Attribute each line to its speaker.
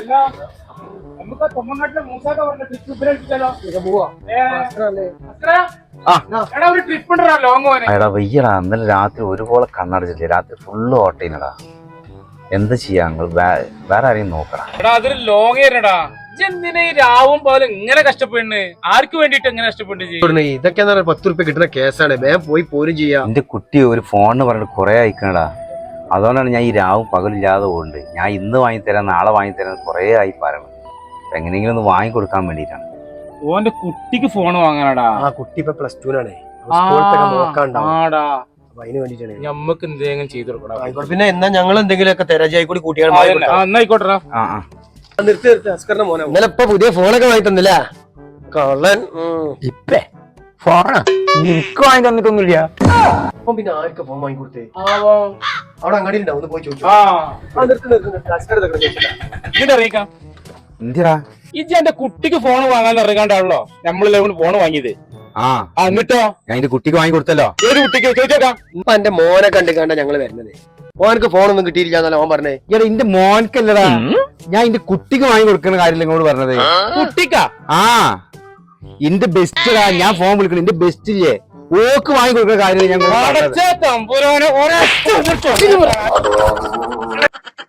Speaker 1: നമുക്ക് തൊമ്മങ്ങാട്ടിലെ മൂസാക്ക പറഞ്ഞ ട്രിപ്പ് ഇപ്പഴേൽപ്പിച്ചാലോ? എടാ ഒരു ട്രിപ്പ് ഉണ്ടോ ലോങ് പോനെ?
Speaker 2: എടാ വയ്യടാ, ഇന്നലെ രാത്രി ഒരുപോലെ കണ്ണടച്ചില്ലേ, രാത്രി ഫുള്ള് ഓട്ടീനടാ. എന്താ ചെയ്യാ, വേറെ ആരെയും നോക്കടാ.
Speaker 1: എടാ അതൊരു ലോങ് ഏരടാ. എന്തിനാ ഈ രാവും പോലെ ഇങ്ങനെ കഷ്ടപ്പെടുന്നു? ആർക്ക് വേണ്ടിട്ട് എങ്ങനെ കഷ്ടപ്പെടുന്നു?
Speaker 3: ഇതൊക്കെ 10 റുപ്യ കിട്ടുന്ന കേസാണ്. വേഗം പോയി പോരും ചെയ്യാം.
Speaker 2: എന്റെ കുട്ടി ഒരു ഫോണിന് പറഞ്ഞിട്ട് കുറെ അയക്കണടാ. അതുകൊണ്ടാണ് ഞാൻ ഈ രാവും പകലില്ലാതെ പോകുന്നുണ്ട്. ഞാൻ ഇന്ന് വാങ്ങിത്തരാം, നാളെ വാങ്ങിത്തരാൻ കുറെ ആയി പറയണം. എങ്ങനെയെങ്കിലും ഒന്ന് വാങ്ങിക്കൊടുക്കാൻ വേണ്ടിട്ടാണ്.
Speaker 1: ഓന്റെ കുട്ടിക്ക് ഫോൺ വാങ്ങാനടാ.
Speaker 3: ആ കുട്ടി ഇപ്പൊ +2
Speaker 1: ഞമ്മക്ക് എന്തെങ്കിലും ചെയ്തു കൊടുക്കണം.
Speaker 3: പിന്നെ എന്നാ ഞങ്ങൾ എന്തെങ്കിലുമൊക്കെ തെരജായി കൂടി കൂട്ടിയാണ്.
Speaker 1: ആയിക്കോട്ടെടാ.
Speaker 3: ഇന്നലെ ഇപ്പൊ പുതിയ ഫോണൊക്കെ വാങ്ങി തന്നില്ല കള്ളൻ.
Speaker 2: ഇപ്പേ ഫോണാ എനിക്ക് വാങ്ങി തന്നിട്ടൊന്നുമില്ല.
Speaker 3: അപ്പൊ പിന്നെ ആർക്കാ ഫോൺ വാങ്ങി കൊടുത്തേ? അവിടെ അങ്ങാടി ഉണ്ടാവും, ഒന്ന് പോയി ചോദിച്ചു.
Speaker 2: എന്തിടാ
Speaker 1: ഇജ്ജ് എന്റെ കുട്ടിക്ക് ഫോൺ വാങ്ങാൻ ഇറങ്ങാണ്ടാണല്ലോ നമ്മളെല്ലാം ഫോൺ വാങ്ങിയത്. എന്നിട്ടോ
Speaker 2: ഞാൻ എന്റെ കുട്ടിക്ക് വാങ്ങി കൊടുത്തല്ലോ.
Speaker 1: ഏത് കുട്ടിക്ക് ചോദിച്ചേക്കാം.
Speaker 3: ഇപ്പൊ എന്റെ മോനെ കണ്ടാ ഞങ്ങള് വരുന്നത്. മോനക്ക് ഫോണൊന്നും കിട്ടിയില്ല ഓൻ പറഞ്ഞേ.
Speaker 2: എടാ എന്റെ മോനക്കല്ലടാ, ഞാൻ എന്റെ കുട്ടിക്ക് വാങ്ങി കൊടുക്കുന്ന കാര്യം ഇങ്ങോട്ട് പറഞ്ഞത്.
Speaker 1: കുട്ടിക്കാ?
Speaker 2: എന്റെ ബെസ്റ്റാ ഞാൻ ഫോൺ വിളിക്കണം. എന്റെ ബെസ്റ്റ് ഇല്ലേ ഓക്ക് വാങ്ങി കൊടുക്കുന്ന കാര്യം ഞാൻ